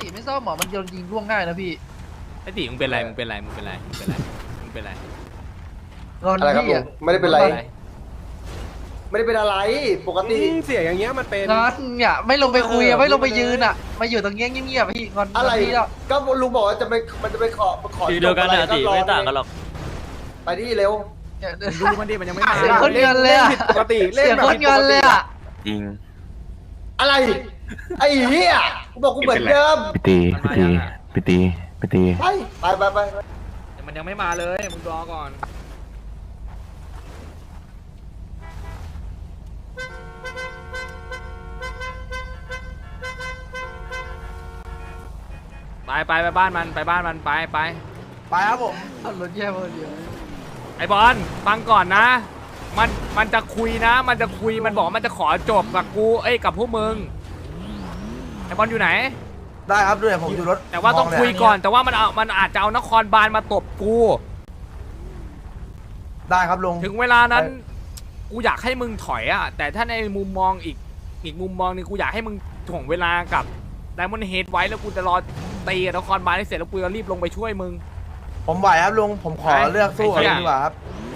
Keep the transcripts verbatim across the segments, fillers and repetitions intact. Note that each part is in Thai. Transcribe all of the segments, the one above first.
ติไม่ซ่อมหมอมันโดนยิงล่วงง่ายนะพี่ไอ้ตีมึงเป็นไรมึงเป็นไรมึงเป็นไรมึงเป็นไรมึงเป็นไรงอนอะไรครับพี่ลุอะงไม่ได้เป็นไร ไม่ได้เป็นอะไรปกติเสียอย่างเงี้ยมันเป็นงอนเนี่ยไม่ลงไปคุยอะเออไม่ลงไปพูดไปเลยยืนอะมาอยู่ตรงเงี้ยเงียบๆพี่งอนอะไรพี่แล้วก็ลุงบอกว่าจะไปมันจะไปขอขอทีเดียวกันนะตีไม่ต่างกันหรอกไปที่เร็วเนี่ยดูมันดิมันยังไม่มาเสียงคนเงินเลยอะผิดปกติเล่นเสียงแบบคนผิดเงินเลยอะจริงอะไร ไอ้เหี้ยกูบอกกูเหมือนเดิมไปตีไปตีไปตีไปตีไปไปไปไปไปแต่มันยังไม่มาเลยมึงรอก่อนไปไปไปบ้านมันไปบ้านมันไปไปไปครับผมเอารถแย่มาเดียวไอ้บอลฟังก่อนนะ มันมันจะคุยนะ มันจะคุยมันบอกว่ามันจะขอจบกับกูเอ้ยกับพวกมึงไอ้บอลอยู่ไหนได้ครับด้วยผมอยู่รถแต่ว่าต้องคุยก่อนแต่ว่ามันเอามันอาจจะเอานครบาลมาตบกูได้ครับลุงถึงเวลานั้นกูอยากให้มึงถอยอะแต่ถ้าในมุมมองอีกอีกมุมมองหนึงกูอยากให้มึงถ่วงเวลากับไดมอนด์เฮดไว้แล้วกูจะรอตีกับนครบาลให้เสร็จแล้วกูจะรีบลงไปช่วยมึงผมไหวครับลุงผมขอเลือกสู้กับไอ้ลุเหี้ยงดีกว่าครับ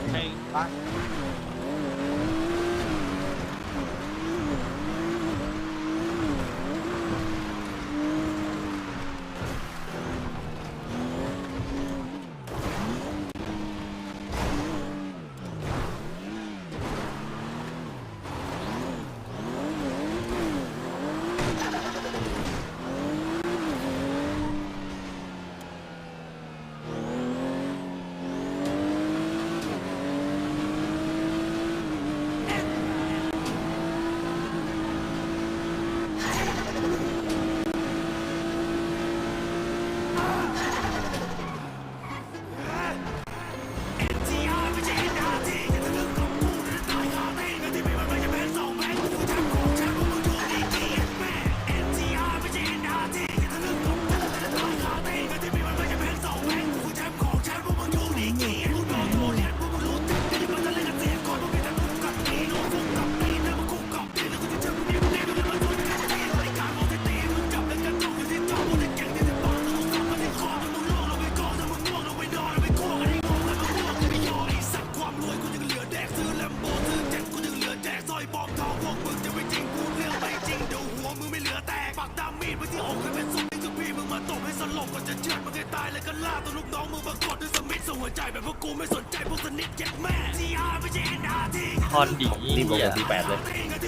คอนดีรีบลงมาทีแปดเลย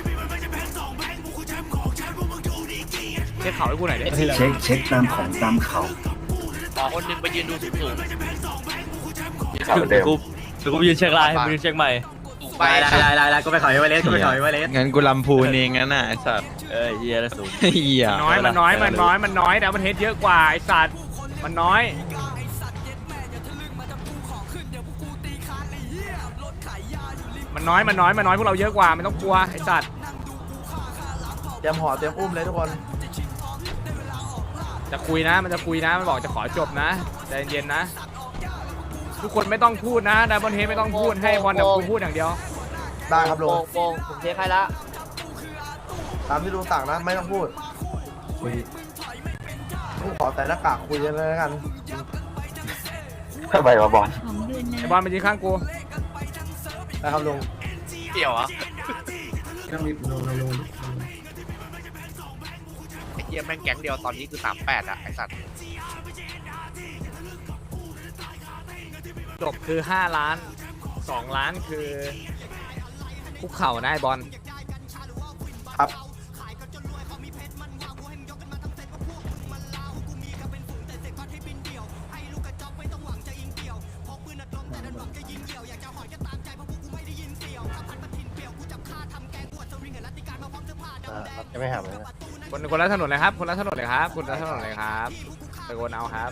เช็คเขาให้กูหน่อยดิเช็คเช็คตามของตามเขาหมอคนหนึ่งไปยืนดูสูงสูงเดี๋ยวกูเดี๋ยวกูไปยืนเช็คไลน์ไปยืนเช็คใหม่ได้ได้ได้ได้ก็ไปขอไว้เลสก็ไปขอไว้เลสงั้นกูลำพูนเองงั้นน่ะไอ้สัตว์เอ้ยเฮียแล้วสูงเหี้ยน้อยมันน้อยมันน้อยมันน้อยแต่มันเฮดเยอะกว่าไอ้สัตว์มันน้อยมันน้อยมันน้อยมันน้อยพวกเราเยอะกว่าไม่ต้องกลัวไอ้สัตว์เตรียมห่อเตรียมอุ้มเลยทุกคนจะคุยนะมันจะคุยนะมันบอกจะขอจบนะใจเย็นๆนะทุกคนไม่ต้องพูดนะไดมอนด์เฮดไม่ต้องพูดให้บอลกับกูพูดอย่างเดียวได้ครับลุงโปงผมเช็คให้ละตามที่ลุงสั่งนะไม่ต้องพูดลุงขอแต่หน้ากากคุยกันเลยแล้วกันทำไมวะบอลไอ้บอลมายืนข้างกูได้ครับลุงเกี่ยวอ่ะไอ้เหี้ยแม่งแก๊งเดียวตอนนี้คือสามแปดอะไอ้สัตว์จบคือห้าล้านสองล้านคือคุกเข่านะไอ้บอลครับจะไม่หาเลยนะคนคนละถนนเลยครับ คนละถนนเลยครับคนละถนนเลยครับตะโกนเอาครับ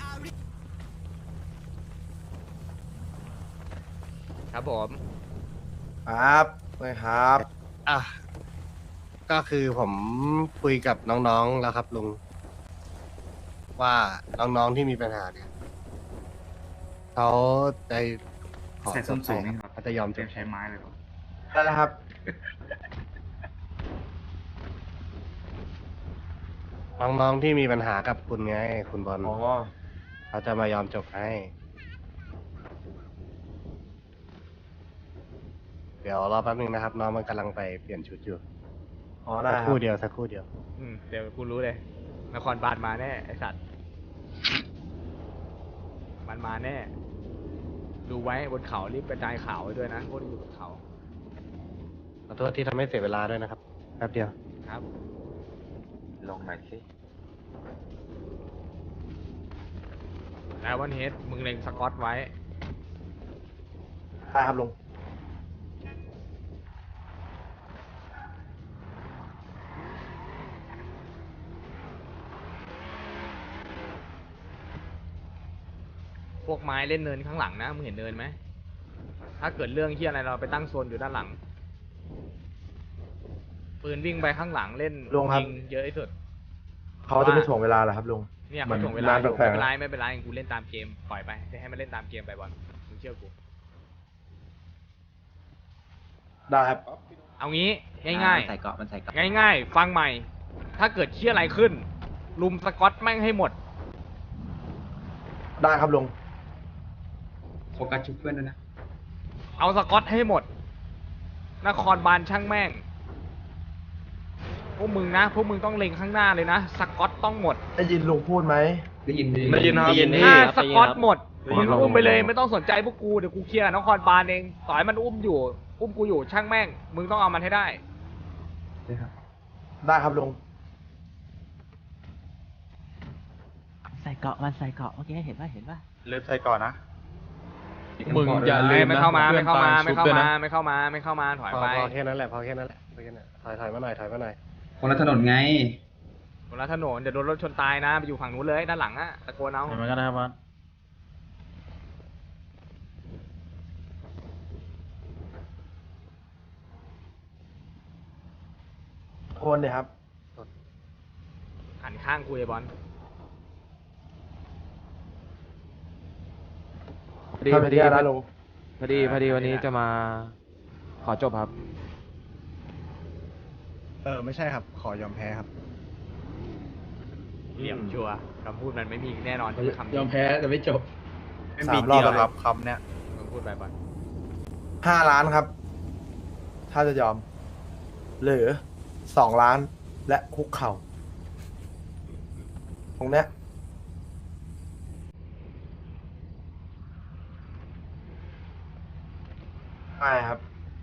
ครับผมครับเลยครับอ่ะก็คือผมคุยกับน้องๆแล้วครับลุงว่าน้องๆที่มีปัญหาเนี่ยเขาได้ขอใส่ส้นสูงนี่ครับเขาจะยอมเตรียมใช้ไม้เลยเหรอได้แล้วครับพน้องๆที่มีปัญหากับคุณไง คุณบอลอ๋อเขาจะมายอมจบให้ เดี๋ยวรอแป๊บนึงนะครับ น้องมันกำลังไปเปลี่ยนชุดอยู่อ๋อ ได้สักคครับ รู่เดียวสักครู่เดียวอืมเดี๋ยวกูรู้เลยนครบาลมาแน่ไอสัตว์มันมาแน่ ดูไว้บนเขารีบกระจายข่าวไว้ด้วยนะพวกที่อยู่บนเขาขอโทษที่ทำให้เสียเวลาด้วยนะครับ แป๊บเดียวครับลงหน่อยสิแล้ววันเฮดมึงเล็งสกอตไว้ได้ครับลุงพวกไม้เล่นเนินข้างหลังนะมึงเห็นเนินไหมถ้าเกิดเรื่องที่อะไรเราไปตั้งโซนอยู่ด้านหลังปืนวิ่งไปข้างหลังเล่นลุงครับยิงเยอะที่สุดเขาจะไม่ถ่วงเวลาเหรอครับลุงเนี่ยมัเขานถ่วงเวลาอยู่นานแปลไม่กๆเป็นไรนะไม่เป็นไรกูเล่นตามเกมปล่อยไปให้มันเล่นตามเกมไปบอลมึงเชื่อกูได้ครับเอางี้ง่ายใส่เกาะมันใส่เกาะๆ ง่ายๆ ฟังใหม่ ถ้าเกิดเชี่ยอะไรขึ้น ลุมสกอตแม่งให้หมดได้ครับลุงโฟกัสชุบเพื่อนด้วยนะเอาสกอตให้หมด นครบาลช่างแม่ง พวกมึงนะ พวกมึงต้องเล็งข้างหน้าเลยนะ สกอตต้องหมดได้ยินลุงพูดไหมได้ยินได้ยินครับได้ยินถ้าครับสกอตหมดได้ยิมึนงครับอุ้มไปเลยไม่ต้องสนใจพวกกูเดี๋ยวกูเคลียร์นครบาลเองต่อให้มันอุ้มอยู่ อุ้มกูอยู่ช่างแม่ง มึงต้องเอามันให้ได้ได้ครับลุงใส่เกาะมันใส่เกาะเมื่อกี้เห็นป่ะเห็นป่ะเลิฟใส่ก่อนนะมึงอย่าลืมไม่นะเข้ามาพื่ไม่อนเข้ามาตไม่ชุบเข้าด้วยมานะไม่เข้ามาไม่เข้ามาถอยพอไปพอแค่นั้นแหละ พอแค่นั้นแหละพอแค่นั้นถอยถอยมาหน่อย ถอยมาหน่อยคนละถนนไงบนถนนเดี๋ยวโดนรถชนตายนะไปอยู่ฝั่งนู้นเลยด้านหลังอะตะโกนเอาเห็นมันก็ได้ครับบอสโอนเลยครับหันข้างกูไอ้บอลพอดีพอดีนะลุงพอดีพอดีวันนี้จะมาขอจบครับเออ ไม่ใช่ครับ ขอยอมแพ้ครับเหลี่ยมชัวร์คำพูดมันไม่มีแน่นอนที่จะคำนี้ยอมแพ้แต่ไม่จบสามรอบแล้วครับคำเนี้ยมึงพูดไปบอลห้าล้านครับ ถ้าจะยอม หรือสองล้านและคุกเข่า ตรงเนี้ยใช่ครับ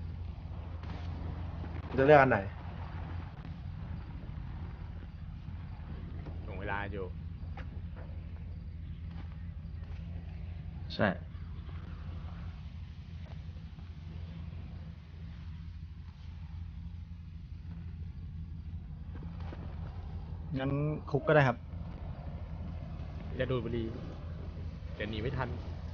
จะเลือกอันไหนถ่วงเวลาอยู่ใช่งั้นคุกก็ได้ครับจะดูดบุหรี่เดี๋ยวหนีไม่ทัน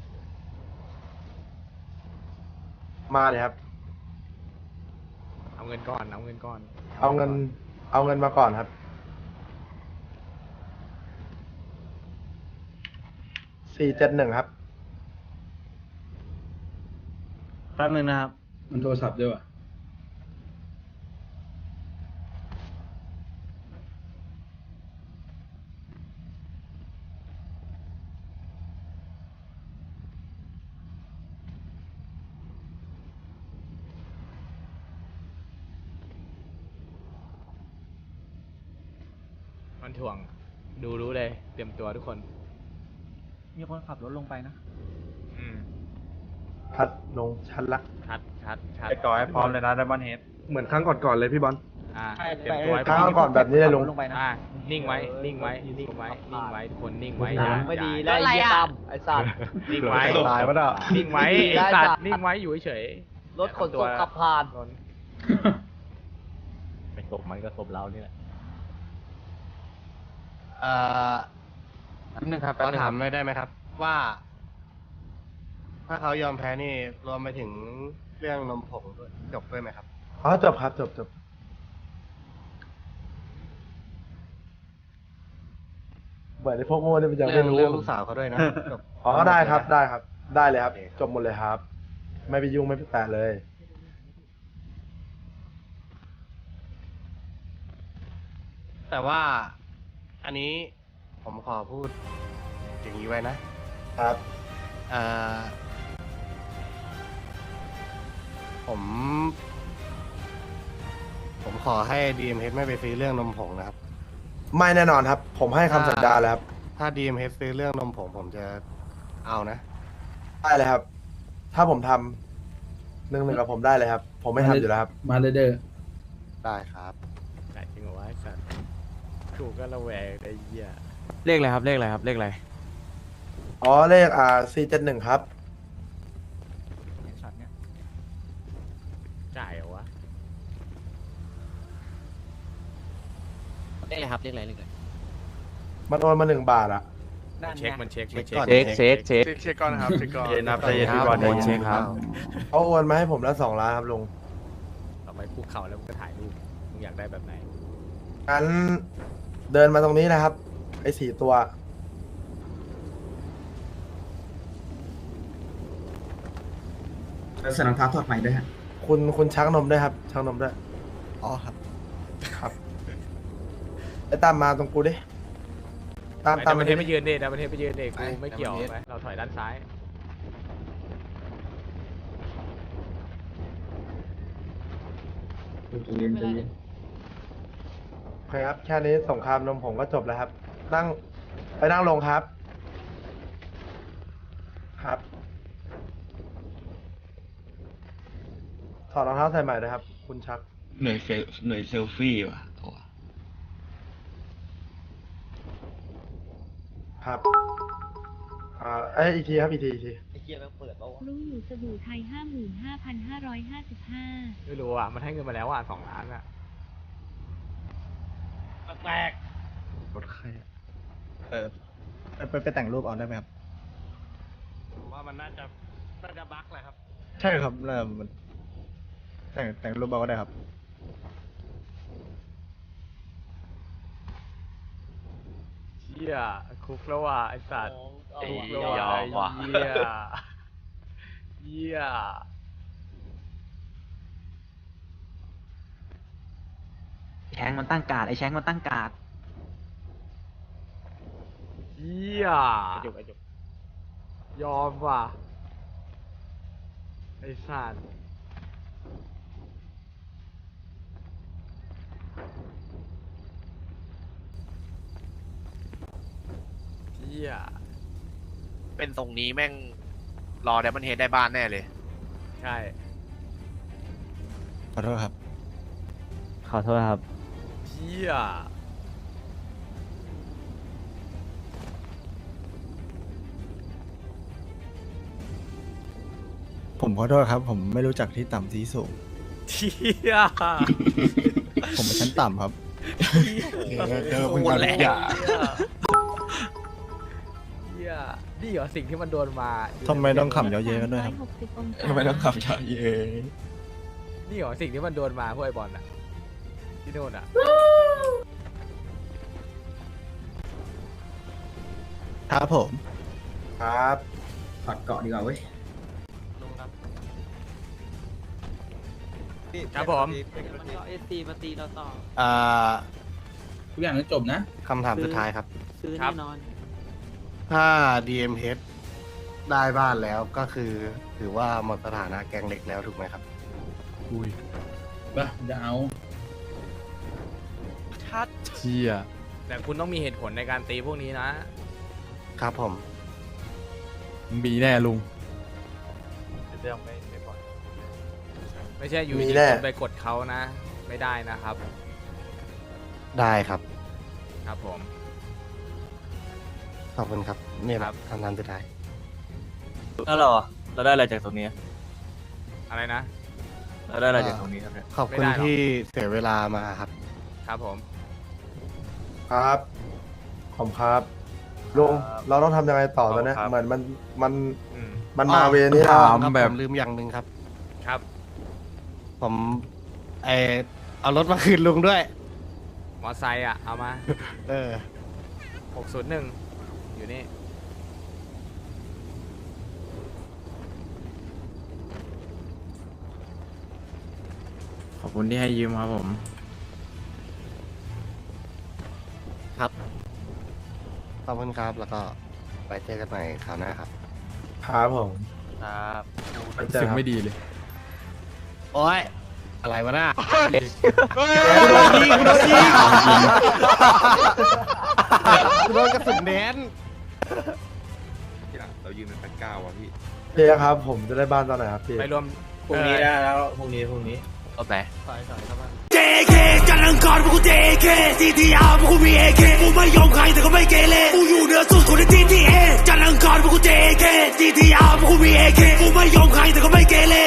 มาเลยครับเอาเงินก่อนเอาเงินก่อนเอาเงิน เอาเงินมาก่อนครับ สี่เจ็ดหนึ่งครับแป๊บนึงนะครับมันโทรศัพท์ด้วยว่ะมันถ่วงดูรู้เลยเตรียมตัวทุกคนมีคนขับรถลงไปนะอืมพัดลงชั้นละชัดชัดชัดไปก่อนให้พร้อมเลยนะไดมอนเฮดเหมือนครั้งก่อนๆเลยพี่บอลอ่าเตรียมตัวให้ครั้งก่อนแบบนี้เลยลุงลงไปนะอ่านิ่งไว้นิ่งไว้นิ่งไว้นิ่งไว้ทุกคนนิ่งไว้ไม่ดีอย่าแล้วไอ้เหี้ยตั้มไอ้สัตว์นิ่งไว้ตายปะเนาะนิ่งไว้ไอ้สัตว์นิ่งไว้อยู่เฉยๆรถขนส่งขับผ่านโดนไม่ตบมันก็ตบเรานี่แหละเอ่อแป๊บนึงครับขแป๊บอนึงถาคมรับเลยได้ไหมครับ ว่า ถ้าเขายอมแพ้นี่รวมไปถึงเรื่องนมผงด้วยจบด้วยไหมครับอ๋อจบครับจบจบเหมือนในพวกโง่เนี่ยมันยังเรื่ไม่องรู้เรื่องลูกสาวเขาด้วยนะจบอ๋อได้ครับได้ครับ ได้เลยครับโอเคครับจบหมดเลยครับ ไม่ไปยุ่งไม่ไปแตะเลยแต่ว่าอันนี้ผมขอพูดอย่างนี้ไว้นะครับ เอ่อผม ผมขอให้ ดี เอ็ม เอช ไม่ไปซื้อเรื่องนมผงนะครับไม่แน่นอนครับ ผมให้คำสัญญาแล้วครับถ้า ดี เอ็ม เอช ซื้อเรื่องนมผงผมจะเอานะได้เลยครับ ถ้าผมทำหนึ่งหนึ่งกับผมได้เลยครับ ผมไม่ทำอยู่แล้วครับมาเลยเด้อได้ครับไหนจริงเหรอวะไอ้สัตว์กูก็ระแวงไอ้เหี้ยเลขอะไรครับเลขอะไรครับเลขอะไรอ๋อเลขอ่าสี่เจ็ดหนึ่งครับจ่ายเหรอวะเลขอะไรครับเลขอะไรเลขอะไรมันโอนมาหนึ่งบาทอะมันเช็คมันเช็คมันเช็เช็คก่อนคเช็คเช็คเช็คเช็คก่อนนะครับเช็คก่อนเย็นครับใจเย็นพี่บอลใจเย็นเช็คครับเขาโอนมาให้ผมแล้วสองล้านครับลุงต่อไปคุกเข่าแล้วมึงก็ถ่ายรูปมึงอยากได้แบบไหนงั้นเดินมาตรงนี้นะครับ ไอ้สี่ตัวแล้วใส่รองเท้าถอดใหม่ด้วยฮะคุณคุณชักนมด้วยครับ ชักนมด้วยอ๋อครับครับ ไอ้ตามมาตรงกูดิ ตามไอ้ตาดาม วมาประเทดิศไปยืนเดดาวประเทศไปยืนเดกูไม่เกี่ยวไหมเราถอยด้านซ้ายเย็นใจเย็นโอเคครับ แค่นี้สงครามนมผมก็จบแล้วครับ นั่ง ไปนั่งลงครับ ครับ ถอดรองเท้าใส่ใหม่นะครับ คุณชักหน่วยเซลหน่วยเซลฟี่ว่ะโอ้ครับ อ่าเอ้ยอีกทีครับ อีกทีอีกทีรู้อยู่สบู่ไทยห้าหมื่นห้าพันห้าร้อยห้าสิบห้าไม่รู้อ่ะมันให้เงินมาแล้วอ่ะสองล้านอ่ะแปลกรถใครเออไปไปแต่งรูปเอาได้ไหมครับผมว่ามันน่าจะน่าจะบั๊กแหละครับใช่ครับเริ่มมันแต่งแต่งรูปเอาก็ได้ครับเหี้ยคุกแล้วว่ะไอ้สัตว์ไอ้คุกยแล้วว่ะอมว่ะไอ้เหี้ยเหี้ยแชงมันตั้งการ์ดไอ้แชงมันตั้งการ์ดเหี้ยยอมว่ะไอ้สัตว์เหี้ยเป็นตรงนี้แม่งรอไดมอนเฮดได้บ้านแน่เลยใช่ขอโทษครับขอโทษครับเหี้ยผมขอโทษครับ ผมไม่รู้จักที่ต่ำที่สูงเหี้ยผมเป็นชั้นต่ำครับเจอคุณกันทุกอย่างเหี้ยนี่เหรอสิ่งที่มันโดนมาทำไมต้องขำเยอะเย้กันด้วยครับหกสิบองศาทำไมต้องขับช้าเย้นี่เหรอสิ่งที่มันโดนมาพวกไอ้บอลอะที่โน่นอะครับผมครับถอดเกาะดีกว่าเว้ยครับผมเอสตีมาตีเราต่ออ่าทุกอย่างต้องจบนะคำถามสุดท้ายครับซื้อแน่นอนถ้า ดี เอ็ม เอช ได้บ้านแล้วก็คือ ถือว่าหมดสถานะแกงเล็กแล้วถูกไหมครับป่ะจะเอาเชี่ยแต่คุณต้องมีเหตุผลในการตีพวกนี้นะครับผมมีแน่ลุงเรื่องไม่ไม่ปล่อยไม่ใช่อยู่มีดีแน่คุณไปกดเขานะ ไม่ได้นะครับได้ครับครับผมขอบคุณครับนี่แหครัละบคำถามสุดท้ายแล้วเราอะเราได้อะไรจากตรงนี้อะไรนะเราได้อะไรจากตรงนี้ครับเนี่ยขอบคุณไม่ได้หรอกที่เสียเวลามาครับครับผมครับ ขอบคุณครับ ลุง เราต้องทำยังไงต่อตอนเนี้ยเหมือนมัน มันอืมมันมาเวนี้คแล้วรับแบบผมลืมอย่างหนึ่งครับครับผมไอเอารถมาคืนลุงด้วยมอไซค์อะเอามาเออหกศูนย์หนึ่งอยู่นี่ขอบคุณที่ให้ยืมครับผมครับขอบคุณครับ แล้วก็ไปเจอกันใหม่คราวหน้าครับครับผมครับไว้เจอครับไม่ดีเลยโอ้ย อะไรวะน่ะกูโดนยิงกูโดนยิงกูโดนกระสุนแดนเรายืนเป็นแปดเก้าว่ะพี่เจ๊ครับ ผมจะได้บ้านตอนไหนครับพี่ไปรวมพรุ่งนี้ได้แล้วพรุ่งนี้พรุ่งนี้รถไหนเจ เค จันทร์อังคารพวกกู เจ เค ซี ที อาร์ พวกกู มี เอ เค กูไม่ยอมใครแต่ก็ไม่เกเรกูอยู่เหนือสุดคนใน ที ที เอ จันทร์อังคารพวกกู เจ เค ซี ที อาร์ พวกกู มี เอ เค กูไม่ยอมใครแต่ก็ไม่เกเร